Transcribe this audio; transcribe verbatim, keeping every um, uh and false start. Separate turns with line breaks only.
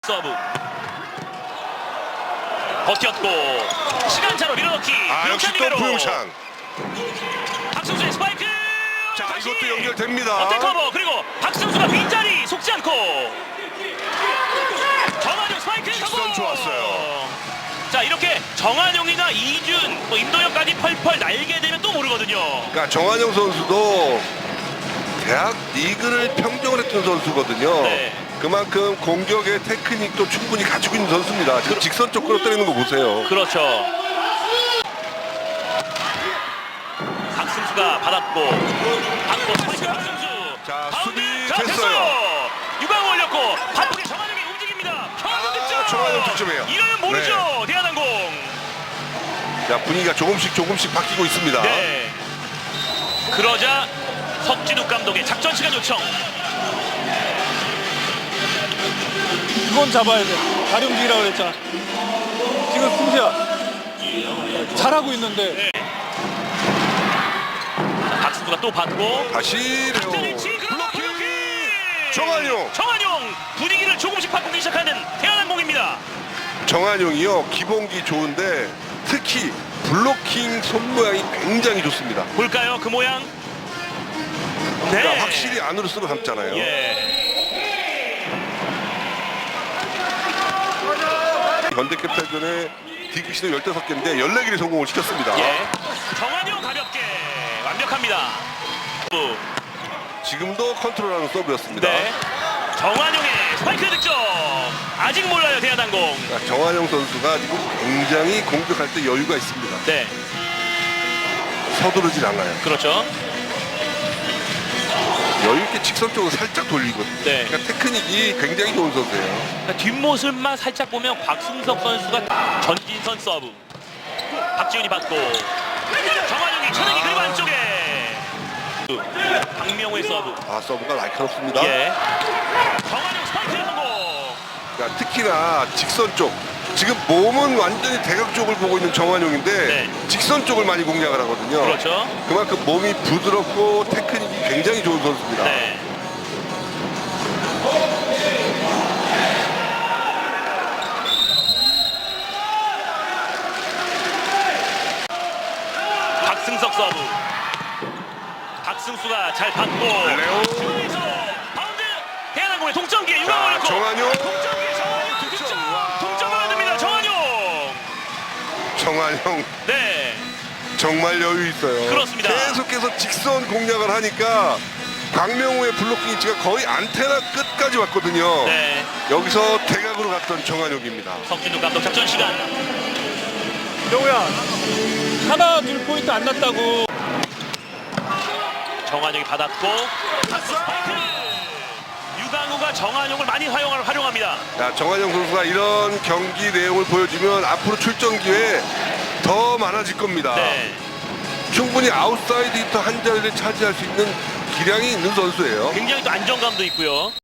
서브 버텼고 시간차로 밀어넣기.
아 역시 또 부용찬.
박승수의 스파이크.
자 이것도 연결됩니다.
어택 커버. 그리고 박승수가 빈자리 속지 않고 정한용 스파이크
직선
커버.
좋았어요.
자 이렇게 정한용이나 이준, 뭐 임도혁까지 펄펄 날게 되면 또 모르거든요.
그러니까 정한용 선수도 대학 리그를 평정을 했던 선수거든요.
네.
그만큼 공격의 테크닉도 충분히 가지고 있는 선수입니다. 지금 직선 쪽으로 때리는 거 보세요.
그렇죠. 박승수가 받았고 받고 스파이크 박승수.
자,
바운드.
수비
자,
됐어요.
유광 올렸고 바쁘게 정한용이 움직입니다.
아,
득점.
정한용 득점이에요.
이러면 모르죠. 대한항공.
자 분위기가 조금씩 조금씩 바뀌고 있습니다.
네. 그러자 석진욱 감독의 작전 시간 요청.
이건 잡아야 돼. 다리 움직이라고 그랬잖아. 지금 승재야 잘하고 있는데.
네. 자, 박승수가 또 받고
다시 레오
블로킹.
블로킹 정한용.
정한용 분위기를 조금씩 바꾸기 시작하는 대한항공입니다.
정한용이요 기본기 좋은데 특히 블로킹 손 모양이 굉장히 좋습니다.
볼까요 그 모양?
그러니까
네.
확실히 안으로 쓰고 담잖아요.
예.
현대캐피탈전에 디기 시도 열다섯 개인데 열네 개를 성공을 시켰습니다.
예. 정한용 가볍게 완벽합니다. 또.
지금도 컨트롤하는 서브였습니다.
네. 정한용의 스파이크 득점. 아직 몰라요 대한항공.
그러니까 정한용 선수가 지금 굉장히 공격할 때 여유가 있습니다.
네.
서두르질 않아요.
그렇죠.
여유 있게 직선 쪽으로 살짝 돌리거든요.
네.
그러니까 테크닉이 굉장히 좋은 선수예요.
그러니까 뒷모습만 살짝 보면 곽승석 선수가 전진선 서브. 박지훈이 받고 정한용이 천행이
아.
그리고 안쪽에 박명호의 서브.
아 서브가 날카롭습니다.
예. 정한용 스파이크 성공.
그러니까 특히나 직선 쪽. 지금 몸은 완전히 대각 쪽을 보고 있는 정한용인데
네.
직선 쪽을 많이 공략을 하거든요.
그렇죠.
그만큼 몸이 부드럽고 테크닉이 굉장히 좋은 선수입니다.
네. 박승석 서브. 박승수가 잘 받고
레오.
중앙에서 바운드. 대한항공의 동점 기회 유광
자,
올렸고
정한용.
동점 기회 정한용
득점.
득점.
와.
동점을 만듭니다. 정한용.
정한용
네.
정말 여유 있어요.
그렇습니다.
계속해서 직선 공략을 하니까 박명호의 블로킹 위치가 거의 안테나 끝까지 왔거든요.
네.
여기서 대각으로 갔던 정한용입니다.
석진욱 감독 작전 시간.
영우야 하나 둘 포인트 안 났다고.
정한용이 받았고 스파이크. 유강우가 정한용을 많이 활용을 활용합니다.
자, 정한용 선수가 이런 경기 내용을 보여주면 앞으로 출전 기회 더 많아질 겁니다.
네.
충분히 아웃사이드 히터 한 자리를 차지할 수 있는 기량이 있는 선수예요.
굉장히 또 안정감도 있고요.